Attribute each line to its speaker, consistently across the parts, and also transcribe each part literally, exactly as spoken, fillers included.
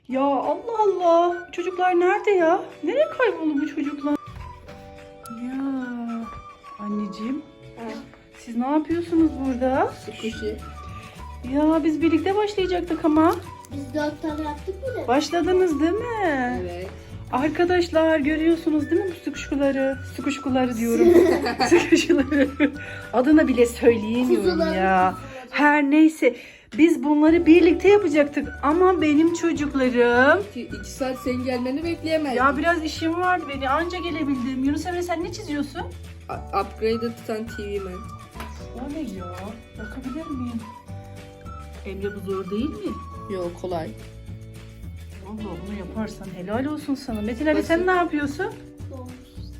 Speaker 1: Ya Allah Allah. Çocuklar nerede ya? Nereye kayboldu bu çocuklar? Ya anneciğim. Siz ne yapıyorsunuz burada?
Speaker 2: Sıkışı.
Speaker 1: Ya biz birlikte başlayacaktık ama.
Speaker 3: Biz dört tane yaptık bile.
Speaker 1: Başladınız değil mi?
Speaker 2: Evet.
Speaker 1: Arkadaşlar görüyorsunuz değil mi bu sıkışkuları? Sıkışkuları diyorum. Sıkışkuları. Adını bile söyleyemiyorum
Speaker 3: Kuzuları,
Speaker 1: ya.
Speaker 3: kuzuları.
Speaker 1: Her neyse. Biz bunları birlikte yapacaktık. Ama benim çocuklarım...
Speaker 2: İki, iki saat senin gelmeni bekleyemezdim.
Speaker 1: Ya biraz işim vardı beni. Anca gelebildim. Yunus Emre sen ne çiziyorsun?
Speaker 2: A- Upgrade'ı tutan T V Man.
Speaker 1: O ne ya? Bakabilir miyim? Emre bu zor değil mi?
Speaker 2: Yok kolay.
Speaker 1: Allah bunu yaparsan helal olsun sana. Metin Ali
Speaker 2: Basit.
Speaker 1: sen ne yapıyorsun?
Speaker 3: Doğmuş.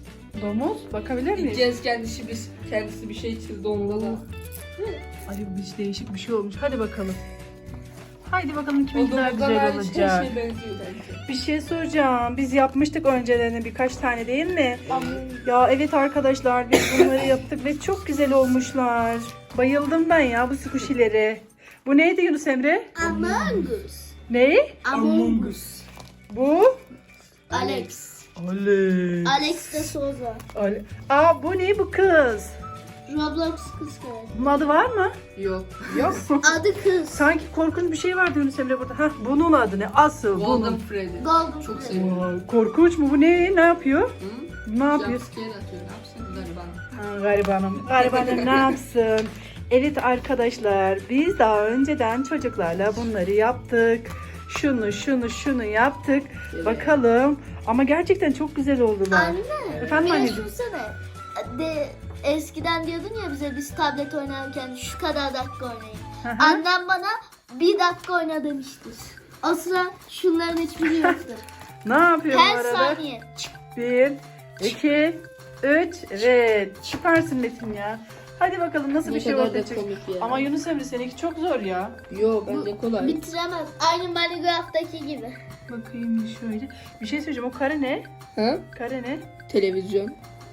Speaker 1: Domuz bakabilir miyiz?
Speaker 2: İlkez kendisi bir, kendisi bir şey çizdi onda da.
Speaker 1: Ay bu hiç değişik bir şey olmuş. Hadi bakalım. Haydi bakalım
Speaker 2: O
Speaker 1: kimin daha
Speaker 2: domuzdan
Speaker 1: güzel
Speaker 2: hariç
Speaker 1: olacak.
Speaker 2: her şey benziyor bence.
Speaker 1: Bir şey soracağım. Biz yapmıştık önceden birkaç tane değil mi?
Speaker 3: Ama
Speaker 1: Ya evet arkadaşlar biz bunları yaptık ve çok güzel olmuşlar. Bayıldım ben ya bu squishy'lere. Bu neydi Yunus Emre?
Speaker 3: Among Us.
Speaker 1: Ne?
Speaker 3: Among Us.
Speaker 1: Bu?
Speaker 3: Alex.
Speaker 1: Alex.
Speaker 3: Alex de Souza.
Speaker 1: Ale- Aa bu ne bu kız?
Speaker 3: Roblox kız kardeşi.
Speaker 1: Bunun adı var mı?
Speaker 2: Yok.
Speaker 1: Yok.
Speaker 3: Adı kız.
Speaker 1: Sanki korkunç bir şey vardı Yunus Emre burada. Hah bunun adı ne? Asıl
Speaker 2: Golden
Speaker 1: bunun.
Speaker 2: Freddy.
Speaker 3: Golden
Speaker 2: Çok
Speaker 3: Freddy.
Speaker 2: seviyorum.
Speaker 1: Vay, korkunç mu bu ne? Ne yapıyor?
Speaker 2: Hı?
Speaker 1: Ne yapıyor?
Speaker 2: Jumpscare atıyor. Ne yapsın gariban?
Speaker 1: Ha, garibanım. Garibanım ne yapsın? Evet arkadaşlar biz daha önceden çocuklarla bunları yaptık. Şunu şunu şunu yaptık.
Speaker 2: Evet.
Speaker 1: Bakalım. Ama gerçekten çok güzel oldular.
Speaker 3: Anne.
Speaker 1: Efendim
Speaker 3: Bir
Speaker 1: anneciğim?
Speaker 3: düşünsene. De, eskiden diyordun ya bize biz tablet oynarken şu kadar dakika oynayın.
Speaker 1: Hı hı.
Speaker 3: Annem bana bir dakika oyna demiştir. O sıra şunların hiçbiri yoktu.
Speaker 1: Ne yapıyor bu
Speaker 3: Her
Speaker 1: arada?
Speaker 3: saniye.
Speaker 1: Bir, iki, üç. Evet. Süpersin Metin ya. Hadi bakalım nasıl
Speaker 2: Ne
Speaker 1: bir şey
Speaker 2: kadar
Speaker 1: ortaya
Speaker 2: da
Speaker 1: çıkacak.
Speaker 2: komik ya.
Speaker 1: Ama Yunus Emre seninki çok zor ya.
Speaker 2: Yo bence kolay.
Speaker 3: Bitiremez. Aynı Minecraft'taki gibi.
Speaker 1: Bakayım şöyle. Bir şey söyleyeceğim. O kare ne?
Speaker 2: Ha?
Speaker 1: Kare ne?
Speaker 2: Televizyon.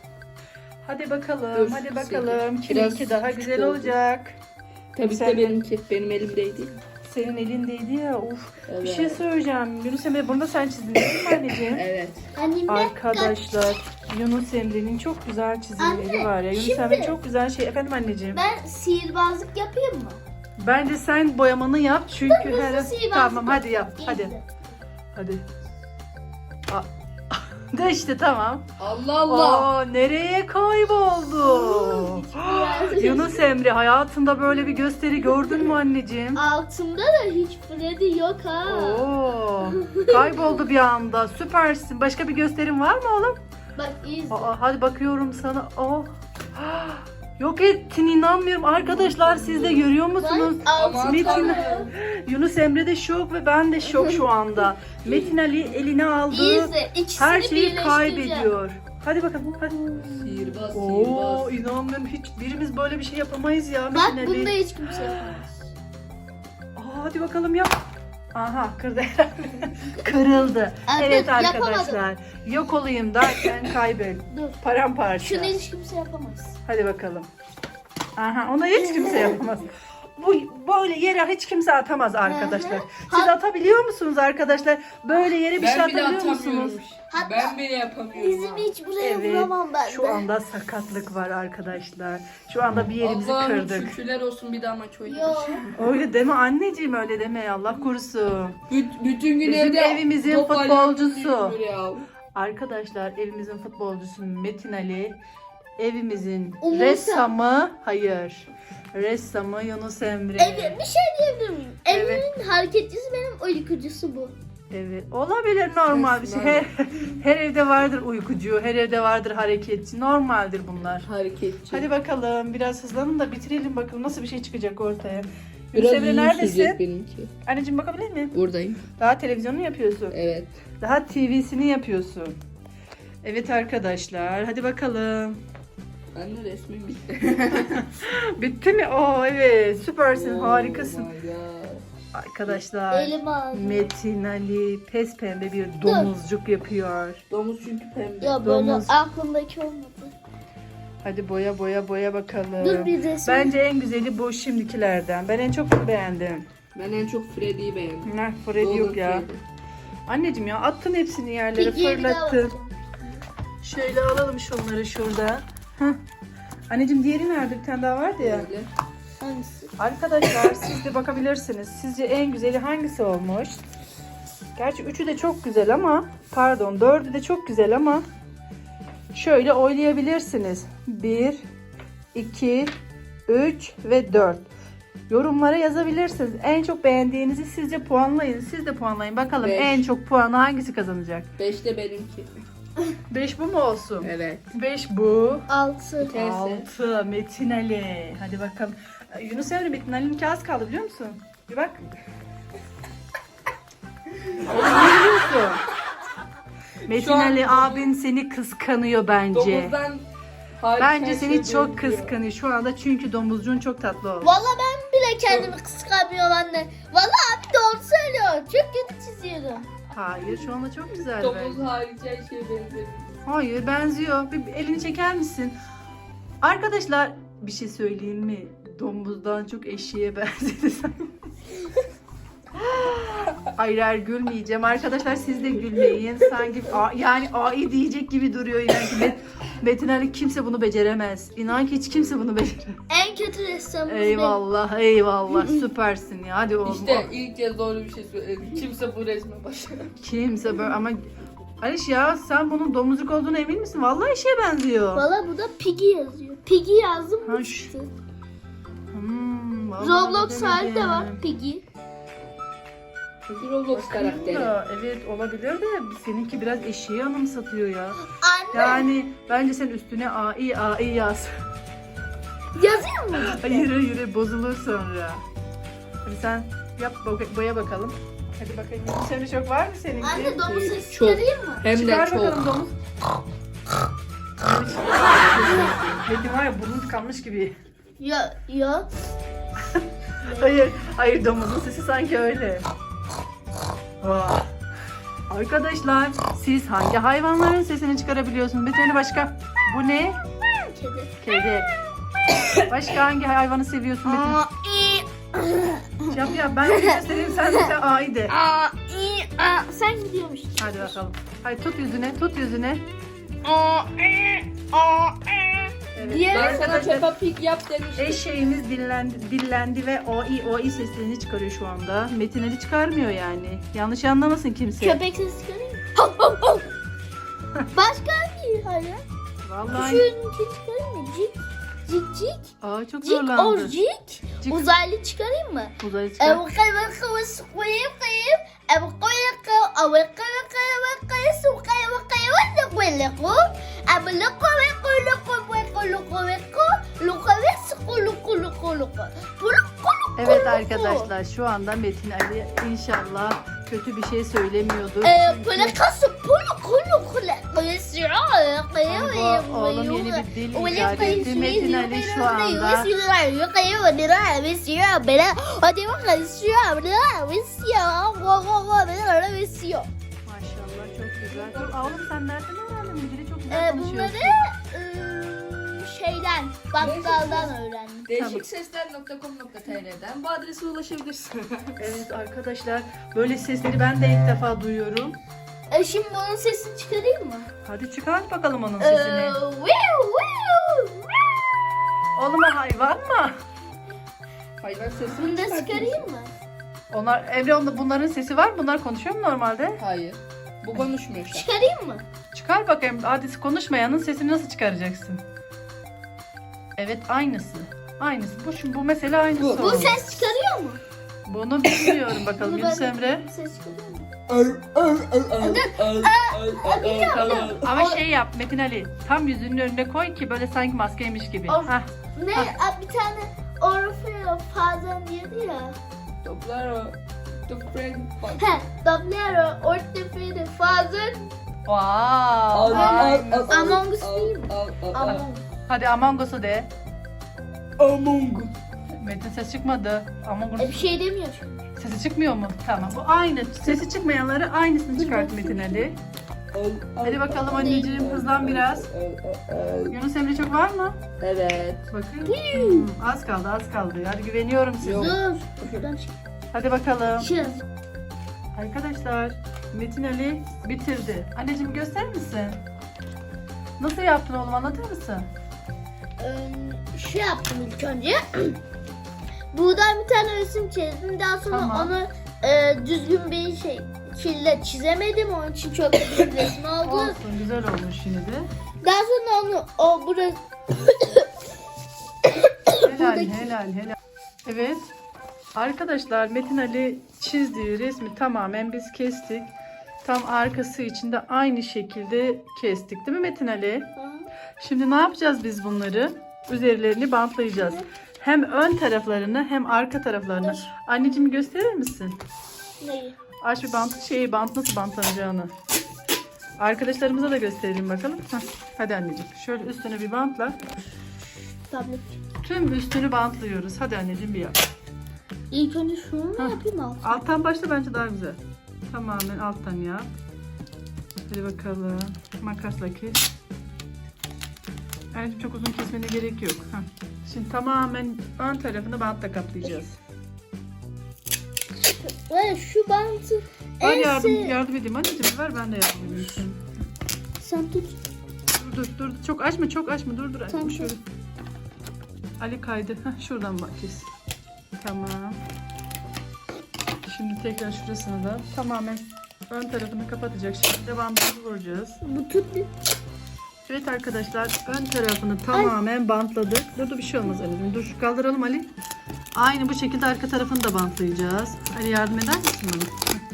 Speaker 1: Hadi bakalım.
Speaker 2: Dur,
Speaker 1: hadi
Speaker 2: kısayım.
Speaker 1: bakalım.
Speaker 2: Biraz
Speaker 1: Kiminki daha
Speaker 2: küçük
Speaker 1: güzel
Speaker 2: oldu.
Speaker 1: olacak.
Speaker 2: Tabii
Speaker 1: Sen-
Speaker 2: ki de benimki. Benim elimdeydi.
Speaker 1: Senin elindeydi ya. Uf.
Speaker 2: Evet.
Speaker 1: Bir şey söyleyeceğim. Yunus Emre bunu da sen çizdin değil mi anneciğim?
Speaker 2: Evet.
Speaker 3: Annem de
Speaker 1: Arkadaşlar Yunus Emre'nin çok güzel çizimleri
Speaker 3: Anne,
Speaker 1: var ya. Yunus
Speaker 3: şimdi-
Speaker 1: Emre çok güzel şey. Efendim anneciğim.
Speaker 3: ben sihirbazlık yapayım mı?
Speaker 1: Bence sen boyamanı yap çünkü
Speaker 3: Hızlı
Speaker 1: her
Speaker 3: sihirbazlık
Speaker 1: tamam hadi yap.
Speaker 3: yapayım.
Speaker 1: Hadi.
Speaker 3: İzle.
Speaker 1: Hadi. Aa, de işte tamam.
Speaker 2: Allah Allah.
Speaker 1: Aa, nereye kayboldu? Yunus Emre hayatında böyle bir gösteri gördün mü anneciğim?
Speaker 3: Altımda da hiç Freddy yok ha.
Speaker 1: Oo, kayboldu bir anda. Süpersin. Başka bir gösterin var mı oğlum?
Speaker 3: Bak izle.
Speaker 1: Aa, hadi bakıyorum sana. Oh. Yok ettin inanmıyorum. Arkadaşlar siz de görüyor musunuz?
Speaker 3: Bak altımda.
Speaker 1: Metin-
Speaker 3: Tanrım.
Speaker 1: Yunus Emre de şok ve ben de şok şu anda. Metin Ali eline aldığı
Speaker 3: İzle. İkisini
Speaker 1: her şeyi
Speaker 3: birleştireceğim.
Speaker 1: kaybediyor. Hadi bakalım. Hadi.
Speaker 2: Sihirbaz,
Speaker 1: Oo,
Speaker 2: sihirbaz.
Speaker 1: inanmıyorum. Hiç birimiz böyle bir şey yapamayız ya Metin
Speaker 3: Bak
Speaker 1: Ali.
Speaker 3: bunda hiç kimse yapamaz.
Speaker 1: Aa, hadi bakalım yap. Aha kırdı. Kırıldı.
Speaker 3: Aa,
Speaker 1: Evet
Speaker 3: dur,
Speaker 1: arkadaşlar. Yok olayım derken kaybol.
Speaker 3: Dur.
Speaker 1: Paramparça.
Speaker 3: Şunu hiç kimse yapamaz.
Speaker 1: Hadi bakalım. Aha onu hiç kimse yapamaz. Bu böyle yere hiç kimse atamaz arkadaşlar. Siz
Speaker 3: Ha-
Speaker 1: atabiliyor musunuz arkadaşlar? Böyle yere bir şey
Speaker 2: Ben bile
Speaker 1: atabiliyor musunuz?
Speaker 2: atamıyorum.
Speaker 3: Hatta
Speaker 2: Ben bile yapamıyorum.
Speaker 3: Dizimi hiç buraya
Speaker 1: Evet.
Speaker 3: vuramam ben
Speaker 1: Şu
Speaker 3: de.
Speaker 1: anda sakatlık var arkadaşlar. Şu anda bir yerimizi
Speaker 2: Allah'ım
Speaker 1: kırdık.
Speaker 2: şükürler olsun bir daha maç
Speaker 3: Yo.
Speaker 2: oynamış.
Speaker 1: Öyle deme anneciğim öyle deme Allah korusun.
Speaker 2: Büt- bütün gün
Speaker 1: Bizim
Speaker 2: evde
Speaker 1: evimizin
Speaker 2: top
Speaker 1: futbolcusu.
Speaker 2: oynuyoruz ya.
Speaker 1: Arkadaşlar evimizin futbolcusu Metin Ali. Evimizin
Speaker 3: Umursa.
Speaker 1: ressamı hayır. Ressamı Yunus Emre.
Speaker 3: Evet, bir şey diyebilir miyim?
Speaker 1: Evet.
Speaker 3: Evimin hareketçisi benim uykucusu bu.
Speaker 1: Evet. Olabilir normal bir şey. Her, her evde vardır uykucu, her evde vardır hareketçi. Normaldir bunlar.
Speaker 2: Hareketçi.
Speaker 1: Hadi bakalım biraz hızlanın da bitirelim bakalım nasıl bir şey çıkacak ortaya.
Speaker 2: Biraz
Speaker 1: Yunus Emre
Speaker 2: uzun sürecek
Speaker 1: neredesin?
Speaker 2: benimki.
Speaker 1: Anneciğim bakabilir miyim?
Speaker 2: Buradayım.
Speaker 1: Daha televizyonu yapıyorsun.
Speaker 2: Evet.
Speaker 1: Daha T V'sini yapıyorsun. Evet arkadaşlar hadi bakalım.
Speaker 2: Ben de resmim bitti.
Speaker 1: Bitti mi? Oo evet süpersin harikasın.
Speaker 2: Oh my God.
Speaker 1: Arkadaşlar
Speaker 3: Elim ağrıyor.
Speaker 1: Metin Ali pes pembe bir domuzcuk yapıyor.
Speaker 2: Domuz çünkü pembe.
Speaker 3: Ya böyle
Speaker 1: Domuz.
Speaker 3: aklımdaki olmadı.
Speaker 1: Hadi boya boya boya bakalım.
Speaker 3: Dur bir resim.
Speaker 1: Bence en güzeli bu şimdikilerden. Ben en çok bunu beğendim.
Speaker 2: Ben en çok Freddy'yi beğendim.
Speaker 1: Ne Freddy yok
Speaker 2: Golden
Speaker 1: ya.
Speaker 2: Freddy.
Speaker 1: Anneciğim ya attın hepsini yerlere,
Speaker 3: Piggy'ye bir daha
Speaker 1: fırlattın.
Speaker 3: bakacağım.
Speaker 1: Şöyle alalım şunları şurada. Heh. Anneciğim diğeri nerede? Bir tane daha vardı ya.
Speaker 2: Böyle.
Speaker 3: Hangisi?
Speaker 1: Arkadaşlar siz de bakabilirsiniz. Sizce en güzeli hangisi olmuş? Gerçi üçü de çok güzel ama pardon dördü de çok güzel ama şöyle oylayabilirsiniz. bir, iki, üç ve dört. Yorumlara yazabilirsiniz. En çok beğendiğinizi sizce puanlayın. Siz de puanlayın. Bakalım
Speaker 2: Beş.
Speaker 1: en çok puanı hangisi kazanacak?
Speaker 2: Beş de benimki.
Speaker 1: beş bu mu olsun?
Speaker 2: Evet.
Speaker 1: beş bu.
Speaker 3: Altı.
Speaker 2: Tersi.
Speaker 1: altı Metin Ali. Hadi bakalım. Yunus Emre Metin Ali'ninki az kaldı biliyor musun? Bir bak. Oğlum ne biliyorsun? Metin
Speaker 2: Şu an-
Speaker 1: Ali abin seni kıskanıyor bence.
Speaker 2: Domuzdan hariç
Speaker 1: Bence
Speaker 2: her
Speaker 1: seni
Speaker 2: şey
Speaker 1: çok
Speaker 2: benziyor.
Speaker 1: kıskanıyor şu anda çünkü domuzcuğun çok tatlı oldu.
Speaker 3: Valla ben bile kendimi kıskanmıyorum anne. Valla abi doğru söylüyor. Çok kötü çiziyorum.
Speaker 1: Hayır şu anda çok güzel
Speaker 2: Domuz
Speaker 1: bence.
Speaker 2: hariç her şey benziyor.
Speaker 1: Hayır benziyor. Bir, bir elini çeker misin? Arkadaşlar bir şey söyleyeyim mi? Domuzdan çok eşeğe benzedi sanki. Hayır hayır gülmeyeceğim. Arkadaşlar siz de gülmeyin. Sanki a, yani ai diyecek gibi duruyor. Yani ki Met, Metin Ali kimse bunu beceremez. İnan ki hiç kimse bunu beceremez.
Speaker 3: En kötü ressamımız benim.
Speaker 1: Eyvallah eyvallah süpersin ya. Hadi oğlum.
Speaker 2: İşte ilk kez doğru bir şey söyledim. Kimse bu resme başlamıyor.
Speaker 1: Kimse böyle ama Aliş ya sen bunun domuzluk olduğuna emin misin? Vallahi eşeğe benziyor.
Speaker 3: Valla burada Piggy yazıyor. Piggy yazdım
Speaker 1: Ha,
Speaker 3: mı
Speaker 1: şu-
Speaker 3: çıktı.
Speaker 1: Hmm, vallahi
Speaker 3: Roblox hali de
Speaker 1: bilemedim.
Speaker 3: var Piggy.
Speaker 2: Peki Roblox
Speaker 1: Bakayım
Speaker 2: karakteri.
Speaker 1: da, evet olabilir de seninki biraz eşeği anımsatıyor ya.
Speaker 3: Anne
Speaker 1: Yani bence sen üstüne A I A I yaz.
Speaker 3: yazıyor mu?
Speaker 1: Hayır hayır bozulur sonra. Hadi sen yap boya, boya bakalım. Hadi bakayım. Senin çok var mı seninki?
Speaker 3: Anne domuz sesi
Speaker 2: Çok.
Speaker 3: çıkarayım mı?
Speaker 2: Hem de
Speaker 1: Çıkar
Speaker 2: çok.
Speaker 1: bakalım domuz. Metin var ya burnu tıkanmış gibi.
Speaker 3: Ya ya.
Speaker 1: Hayır, hayır domuzun sesi sanki öyle. Vay. Arkadaşlar siz hangi hayvanların sesini çıkarabiliyorsunuz? Bir tane başka. Bu ne?
Speaker 3: Kedi.
Speaker 1: Kedi. Başka hangi hayvanı seviyorsun Metin?
Speaker 3: Aa, i,
Speaker 1: Yap yap ben de göstereyim sen de sen A'yı de.
Speaker 3: aa, i, aa. Sen gidiyormuşsun.
Speaker 1: Hadi bakalım. Hadi tut yüzüne tut yüzüne.
Speaker 3: Aa, i, aa, i.
Speaker 1: Evet.
Speaker 3: Diğer-
Speaker 2: Ben sana
Speaker 1: Arkadaşlar
Speaker 2: Peppa Pig yap demiştim.
Speaker 1: eşeğimiz dillendi, dillendi ve o i o i seslerini çıkarıyor şu anda. Metin Ali çıkarmıyor yani. Yanlış anlamasın kimse.
Speaker 3: Köpek sesi çıkarayım mı? Hav, hav, hav. Başka hangi hayvan?
Speaker 1: Vallahi.
Speaker 3: Şununki çıkarayım mı? Cik. Cik cik.
Speaker 1: Aa çok
Speaker 3: Cik or
Speaker 1: zorlandı.
Speaker 3: cik.
Speaker 1: Cik.
Speaker 3: Uzaylı çıkarayım mı?
Speaker 1: Uzaya çıkar.
Speaker 3: Ev kayıp kıvıs kıyıp kıyıp. Ev kıyıp kıyıp. Ev kıyıp kıyıp kıyıp. Su kıyıp kıyıp. Ne kıyıp kıyıp. Ev lükkü ve kıyıp kıyıp kıyıp kıyıp. Lükkü ve sıkı lükkü lükkü lükkü. Puluk kuluk
Speaker 1: Evet
Speaker 3: kuluk.
Speaker 1: arkadaşlar şu anda Metin Ali inşallah kötü bir şey söylemiyordur.
Speaker 3: Eee
Speaker 1: Çünkü-
Speaker 3: plakası puluk kuluk kuluk. Kıyısıyor.
Speaker 1: Ay, bu oğlum yeni bir dil icat etti. Metin Ali şu anda. Maşallah çok güzel. Dur oğlum sen nereden öğrendin bu dili çok güzel
Speaker 3: Ee,
Speaker 1: konuşuyorsun.
Speaker 3: bunları ıı, şeyden, bakkaldan öğrendim.
Speaker 2: değişik sesler nokta com nokta tr'den bu adrese ulaşabilirsin.
Speaker 1: Evet arkadaşlar böyle sesleri ben de ilk defa duyuyorum.
Speaker 3: E, şimdi bunun sesini çıkarayım mı?
Speaker 1: Hadi çıkart bakalım onun
Speaker 3: Ee,
Speaker 1: sesini.
Speaker 3: wiu, wiu.
Speaker 1: Oğlum o hayvan mı?
Speaker 2: Hayvan sesini
Speaker 3: Bunu da
Speaker 2: çıkartıyorsun.
Speaker 3: çıkarayım mı?
Speaker 1: Onlar Emre onda bunların sesi var. Bunlar konuşuyor mu normalde?
Speaker 2: Hayır. Bu konuşmuyor şu an.
Speaker 3: Çıkarayım mı?
Speaker 1: Çıkar bakayım. Hadi konuşmayanın sesini nasıl çıkaracaksın? Evet aynısı. Aynısı. Bu şu bu mesela aynısı.
Speaker 2: Bu-
Speaker 3: Bu
Speaker 1: oldu.
Speaker 3: ses çıkarıyor mu?
Speaker 1: Bunu bilmiyorum bakalım
Speaker 3: Bunu
Speaker 1: Yunus
Speaker 3: ben-
Speaker 1: Emre.
Speaker 3: Ses çıkarıyor mu?
Speaker 1: Tamam. Ama şey yap Metin Ali. Tam yüzünün önüne koy ki böyle sanki maskeymiş gibi.
Speaker 3: Of.
Speaker 1: Hah.
Speaker 3: Ne? Aa, bir tane Orfeo Fazan diyordu ya.
Speaker 2: Toplar o. Toprak.
Speaker 3: He, Doblero Ortefede Fazan.
Speaker 1: Wow.
Speaker 3: al,
Speaker 1: Aynen.
Speaker 3: al. Among Us değil mi?
Speaker 2: Among
Speaker 3: Among.
Speaker 1: Hadi Among Us'u de.
Speaker 2: Among Us.
Speaker 1: Metin ses çıkmadı. Among
Speaker 3: E, bir
Speaker 1: Us.
Speaker 3: şey demiyor çünkü.
Speaker 1: Sesi çıkmıyor mu? Tamam. Bu aynı. Sesi çıkmayanları aynısını çıkart Metin Ali. Hadi bakalım anneciğim hızlan biraz. Yunus Emre çok var mı?
Speaker 2: Evet.
Speaker 1: Bakın. Hmm, az kaldı az kaldı. Hadi güveniyorum size.
Speaker 2: Yok.
Speaker 3: Dur. Şuradan çık.
Speaker 1: Hadi bakalım.
Speaker 3: Çık.
Speaker 1: Arkadaşlar Metin Ali bitirdi. Anneciğim gösterir misin? Nasıl yaptın oğlum, anlatır mısın?
Speaker 3: Ee, Şu yaptım ilk önce. Buradan bir tane resim çizdim. Daha sonra
Speaker 1: Tamam.
Speaker 3: onu e, düzgün bir şey şekilde çizemedim. Onun için çok büyük bir resim oldu.
Speaker 1: Olsun, güzel olmuş yine de.
Speaker 3: Daha sonra onu o burası
Speaker 1: Helal helal helal. Evet. Arkadaşlar Metin Ali çizdiği resmi tamamen biz kestik. Tam arkası için de aynı şekilde kestik değil mi Metin Ali? Şimdi ne yapacağız biz bunları? Üzerlerini bantlayacağız. Hem ön taraflarını hem arka taraflarını. Anneciğim gösterir misin?
Speaker 3: neyi?
Speaker 1: Aç bir bant, şeyi bant nasıl bantlanacağını. Arkadaşlarımıza da gösterelim bakalım. Heh, hadi anneciğim. Şöyle üstüne bir bantla.
Speaker 3: Tablet.
Speaker 1: Tüm üstünü bantlıyoruz. Hadi anneciğim bir yap.
Speaker 3: İlk önce şunu mu
Speaker 1: Hah.
Speaker 3: yapayım altı?
Speaker 1: Alttan başla, bence daha güzel. Tamamen alttan yap. Hadi bakalım. Makasla kes. Anneciğim çok uzun kesmene gerek yok. Heh. Şimdi tamamen ön tarafını bantla kaplayacağız.
Speaker 3: Ve şu bantı
Speaker 1: Ben
Speaker 3: en
Speaker 1: yardım,
Speaker 3: sev-
Speaker 1: yardım edeyim anneciğim, ver ben de yardım edeyim. sana.
Speaker 3: Sen tut.
Speaker 1: Dur dur dur, çok açma çok açma, dur dur anneciğim
Speaker 3: Tamam.
Speaker 1: şöyle. Ali kaydı. Heh, şuradan bak kes. Tamam. Şimdi tekrar şurasını da tamamen ön tarafını kapatacak şekilde bandımızı vuracağız.
Speaker 3: Bu tut bir.
Speaker 1: Evet arkadaşlar, ön tarafını tamamen bantladık. Dur dur, bir şey olmaz anneciğim. Dur şu kaldıralım Ali. Aynı bu şekilde arka tarafını da bantlayacağız. Ali yardım eder misin bana?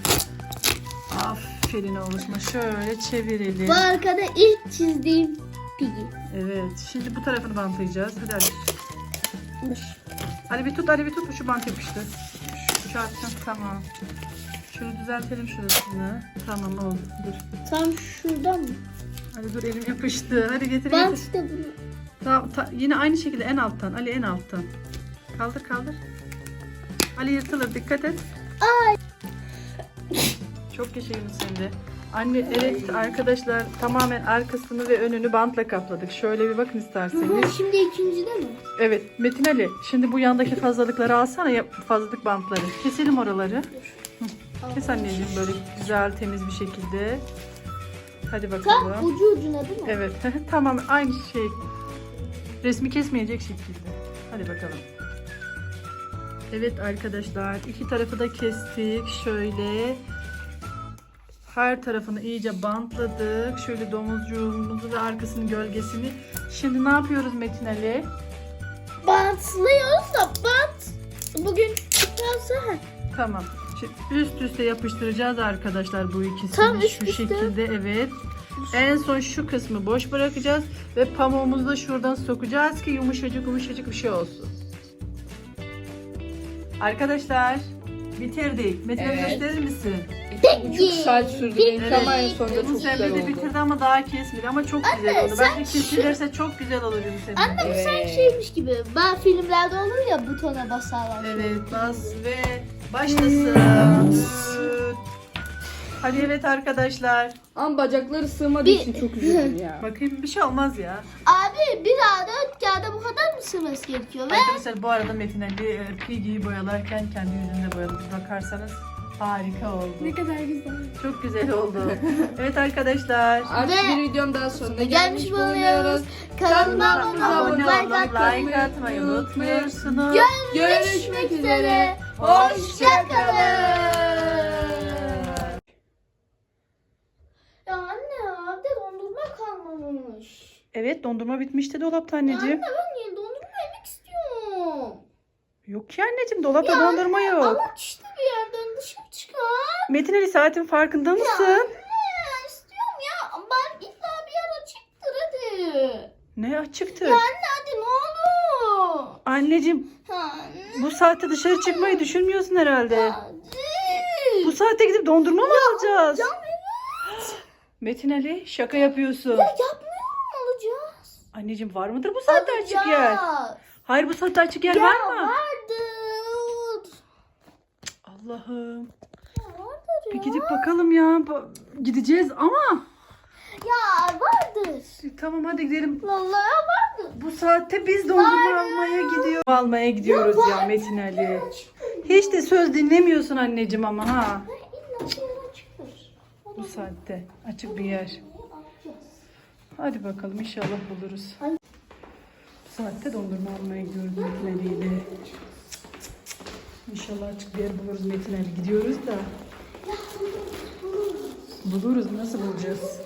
Speaker 1: Aferin oğlum. Şöyle çevirelim.
Speaker 3: Bu arkada ilk çizdiğim Piggy.
Speaker 1: Evet. Şimdi bu tarafını bantlayacağız. Hadi Ali.
Speaker 3: Dur.
Speaker 1: Ali bir tut, Ali bir tut. Şu bant yapıştı. Şu çarptın. Tamam. Şunu düzeltelim şurasını. Tamam oldu. Dur.
Speaker 3: Tam şuradan mı?
Speaker 1: Ali dur, elim yapıştı. Hadi getir
Speaker 3: Ben
Speaker 1: getir.
Speaker 3: işte bunu.
Speaker 1: Tamam, ta- yine aynı şekilde en alttan. Ali en alttan. Kaldır kaldır. Ali yırtılır, dikkat et.
Speaker 3: Ay.
Speaker 1: Çok yaşayın sen de. Anne evet arkadaşlar, tamamen arkasını ve önünü bantla kapladık. Şöyle bir bakın isterseniz.
Speaker 3: Şimdi ikincide mi?
Speaker 1: Evet Metin Ali, şimdi bu yandaki fazlalıkları alsana, yap fazlalık bantları. Keselim oraları. Hı, kes anneciğim böyle güzel temiz bir şekilde. Hadi
Speaker 3: Tam
Speaker 1: bakalım.
Speaker 3: ucu ucuna değil mi?
Speaker 1: Evet tamam, aynı şey. Resmi kesmeyecek şekilde. Hadi bakalım. Evet arkadaşlar, iki tarafı da kestik. Şöyle her tarafını iyice bantladık. Şöyle domuzcuğumuzu ve arkasının gölgesini. Şimdi ne yapıyoruz Metin Ali?
Speaker 3: Bantlıyoruz da bant. Bugün çıkarsa ha.
Speaker 1: Tamam. Şimdi üst üste yapıştıracağız arkadaşlar bu ikisini.
Speaker 3: Tam üst
Speaker 1: şu
Speaker 3: üste.
Speaker 1: şekilde, evet. En son şu kısmı boş bırakacağız ve pamuğumuzu da şuradan sokacağız ki yumuşacık yumuşacık bir şey olsun. Arkadaşlar bitirdik. Metin Ali
Speaker 2: Evet.
Speaker 1: gösterir misin?
Speaker 2: İki buçuk saat sürdü benim
Speaker 1: Evet.
Speaker 2: ama en sonunda çok
Speaker 1: Yunus
Speaker 2: güzel
Speaker 1: Emre de
Speaker 2: oldu.
Speaker 1: bitirdi ama daha kesmedi ama çok güzel oldu. Bence kesilirse çok güzel olur Yunus Emre.
Speaker 3: Anne bu sanki
Speaker 2: Evet.
Speaker 3: şeymiş gibi. Ben filmlerde olur ya butona basarlar.
Speaker 1: Evet, bas ve başlasın. Düt. Hadi evet arkadaşlar.
Speaker 2: Ama bacakları sığmadığı
Speaker 3: Bir-
Speaker 2: için çok üzüldüm ya.
Speaker 1: Bakayım, bir şey olmaz ya.
Speaker 3: Abi bir A dört kağıda bu kadar mı sığması gerekiyor? Ve
Speaker 1: Arkadaşlar bu arada Metin Ali e, Piggy'yi boyalarken kendi yüzünde boyadı. Bir bakarsanız harika oldu.
Speaker 3: ne kadar güzel.
Speaker 1: Çok güzel oldu. Evet arkadaşlar.
Speaker 2: Artık
Speaker 3: Ve-
Speaker 2: bir videonun daha sonuna
Speaker 3: Gelmiş
Speaker 2: gelmiş
Speaker 3: bulunuyoruz.
Speaker 2: bulunuyoruz.
Speaker 3: Kanalıma
Speaker 2: Kanalımıza
Speaker 3: abone
Speaker 1: Abone
Speaker 3: olun,
Speaker 1: olun,
Speaker 3: like atmayı
Speaker 1: like atmayı unutmuyorsunuz.
Speaker 2: Görüşmek üzere.
Speaker 3: Hoşçakalın. Ya anne evde dondurma kalmamış.
Speaker 1: Evet, dondurma bitmişti dolapta anneciğim.
Speaker 3: Anne ben yeni dondurma yemek istiyorum.
Speaker 1: Yok ki anneciğim, dolapta
Speaker 3: Ya
Speaker 1: dondurma yok.
Speaker 3: Ama işte bir yerden dışarı çıkar.
Speaker 1: Metin Ali saatin farkında mısın?
Speaker 3: Anne istiyorum ya. Ben illa bir yer açıktır hadi.
Speaker 1: Ne açıktı?
Speaker 3: Ya anne hadi ne olur.
Speaker 1: Anneciğim
Speaker 3: Anne
Speaker 1: bu saatte dışarı çıkmayı düşünmüyorsun herhalde.
Speaker 3: hadi.
Speaker 1: Bu saatte gidip dondurma mı alacağız?
Speaker 3: Ya evet.
Speaker 1: Metin Ali şaka yapıyorsun.
Speaker 3: Ya yapmıyor mu alacağız?
Speaker 1: Anneciğim var mıdır bu saatte açık yer?
Speaker 3: Alacağız.
Speaker 1: Hayır, bu saatte açık yer
Speaker 3: Ya
Speaker 1: var mı?
Speaker 3: vardır.
Speaker 1: Allah'ım.
Speaker 3: Ya vardır
Speaker 1: Bir
Speaker 3: ya.
Speaker 1: gidip bakalım ya. Ba- Gideceğiz ama.
Speaker 3: Ya vardır.
Speaker 1: Tamam hadi gidelim.
Speaker 3: Vallahi vardır.
Speaker 1: Bu saatte biz dondurma almaya gidiyor. Almaya gidiyoruz ya,
Speaker 3: var.
Speaker 1: Metin Ali.
Speaker 3: Açıktır.
Speaker 1: Hiç de söz dinlemiyorsun anneciğim ama ha.
Speaker 3: İlla bir yer açıktır.
Speaker 1: Bu saatte açık bir yer. Hadi bakalım inşallah buluruz. Bu saatte dondurma almaya gidiyoruz Metin Ali ile. İnşallah açık bir yer buluruz Metin Ali. Gidiyoruz da. Buluruz. Nasıl bulacağız?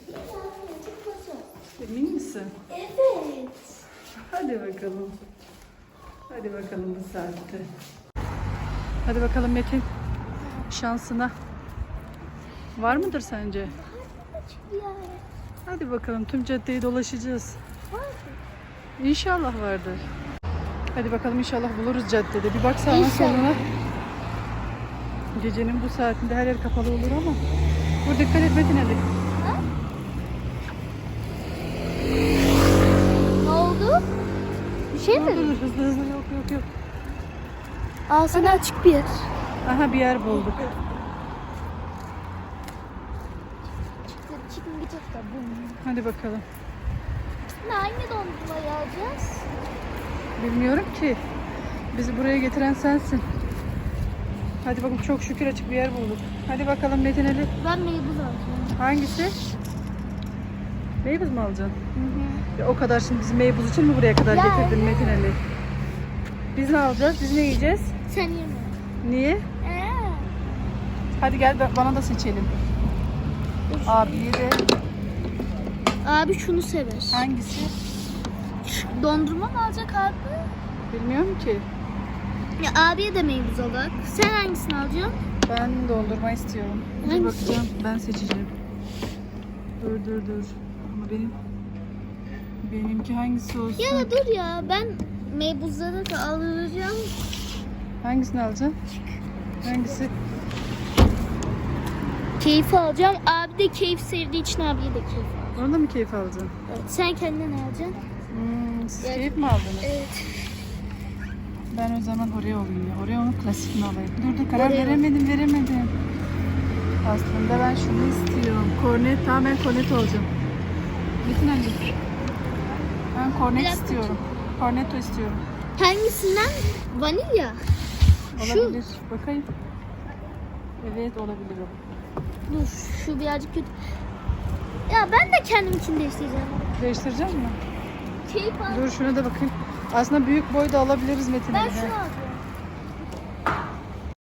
Speaker 1: Emin misin?
Speaker 3: Evet.
Speaker 1: Hadi bakalım. Hadi bakalım bu saatte. Hadi bakalım Metin. Şansına. Var mıdır sence?
Speaker 3: Açık bir yer.
Speaker 1: Hadi bakalım tüm caddeyi dolaşacağız. İnşallah vardır. Hadi bakalım inşallah buluruz caddede. Bir bak sağına
Speaker 3: İnşallah.
Speaker 1: soluna. Gecenin bu saatinde her yer kapalı olur ama. Dur dikkat et Metin Ali.
Speaker 3: Ne oldu? Bir şey
Speaker 1: Dur,
Speaker 3: mi?
Speaker 1: dur, hızlı hızlı yok yok yok.
Speaker 3: Aa sana açık bir yer.
Speaker 1: Aha bir yer bulduk.
Speaker 3: Çıktı, çıkın gidecek de bu.
Speaker 1: Hadi bakalım.
Speaker 3: Ne hangi dondurmayı alacağız?
Speaker 1: Bilmiyorum ki. Bizi buraya getiren sensin. Hadi bakalım çok şükür açık bir yer bulduk. Hadi bakalım Metin Ali.
Speaker 3: Ben meybuz alacağım.
Speaker 1: Hangisi? Meybuz mu alacaksın?
Speaker 3: Hı hı.
Speaker 1: Ya o kadar şimdi bizi meybuz için mi buraya kadar
Speaker 3: Ya,
Speaker 1: getirdin
Speaker 3: evet.
Speaker 1: Metin Ali? Biz ne alacağız? Biz ne yiyeceğiz?
Speaker 3: Sen yeme.
Speaker 1: Niye?
Speaker 3: Ee,
Speaker 1: Hadi gel ba- bana da seçelim. Abiye de
Speaker 3: abi şunu sever.
Speaker 1: hangisi?
Speaker 3: Şu dondurma mı alacak abi?
Speaker 1: Bilmiyorum ki.
Speaker 3: Ya abiye de meybuz alak. Sen hangisini alacaksın?
Speaker 1: Ben dondurma istiyorum. Dur
Speaker 3: Hangisi?
Speaker 1: bakacağım. Ben seçeceğim. Dur dur dur. Ama benim benimki hangisi olsun?
Speaker 3: Ya da dur ya ben meybuzları da alacağım.
Speaker 1: Hangisini alacaksın? Hangisi?
Speaker 3: Keyif alacağım. Abi de keyif sevdiği için abiye de keyif alacağım.
Speaker 1: Onda mı keyif alacaksın?
Speaker 3: Evet. Sen kendine ne alacaksın?
Speaker 1: Hmm, siz
Speaker 3: Evet.
Speaker 1: keyif mi aldınız?
Speaker 3: Evet.
Speaker 1: Ben o zaman Oreo alayım ya. Oreo'nun klasikini alayım. Dur dur karar
Speaker 3: Oreo.
Speaker 1: veremedim veremedim. Aslında ben şunu istiyorum. Kornet, tamam ben kornet olacağım. Metin Ali. Ben
Speaker 3: Bir
Speaker 1: kornet
Speaker 3: dakika.
Speaker 1: istiyorum. Kornetto istiyorum.
Speaker 3: Hangisinden? Vanilya. Şu.
Speaker 1: Olabilir. Bakayım. Evet olabilir o.
Speaker 3: Dur şu birazcık kötü. Ya ben de kendimkini değiştireceğim.
Speaker 1: Değiştireceğim mi?
Speaker 3: Keyif al.
Speaker 1: Dur şuna da bakayım. Aslında büyük boy da alabiliriz Metin
Speaker 3: Ben
Speaker 1: Ali.
Speaker 3: şunu alacağım.